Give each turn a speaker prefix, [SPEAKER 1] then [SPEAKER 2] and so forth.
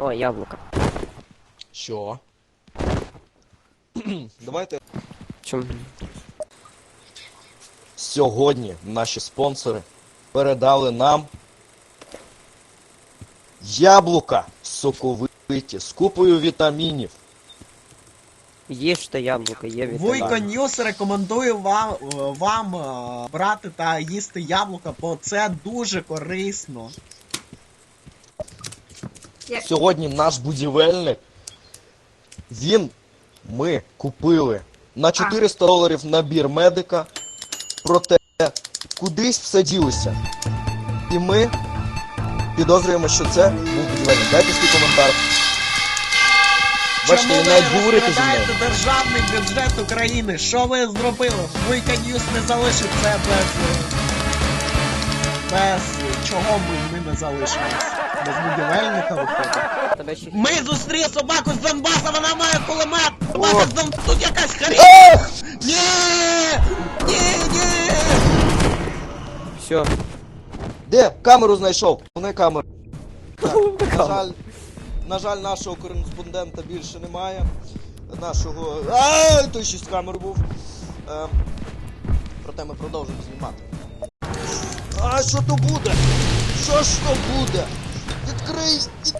[SPEAKER 1] О, яблука.
[SPEAKER 2] Що? Давайте.
[SPEAKER 1] Чому?
[SPEAKER 2] Сьогодні наші спонсори передали нам яблука соковиті з купою вітамінів.
[SPEAKER 1] Їжте яблука, є
[SPEAKER 3] Вуйко
[SPEAKER 1] вітаміни.
[SPEAKER 3] Ньюс рекомендує вам брати та їсти яблука, бо це дуже корисно.
[SPEAKER 2] Сьогодні наш будівельник, ми купили на $400 набір медика, проте кудись все ділося. І ми підозрюємо, що це був будівельник. Дайте свій коментар. Бачите,
[SPEAKER 3] Чому
[SPEAKER 2] він
[SPEAKER 3] ви
[SPEAKER 2] навіть говорити зі мною.
[SPEAKER 3] розкрадаєте державний бюджет України? Що ви зробили? Вуйко Ньюс не залишить це без чого ми не залишимось. Без будівельника виходить.
[SPEAKER 1] Тебе ще...
[SPEAKER 3] Ми зустріли собаку з Донбаса, вона має кулемет! Собака з Донбаса, тут якась хрінь! Ні! Ні!
[SPEAKER 1] Все.
[SPEAKER 2] Де? Камеру знайшов. Не камеру. Так, на жаль, нашого кореспондента більше немає. Нашого... той ще з камер був. Проте ми продовжуємо знімати. Що то буде? Що ж то буде? Відкрий!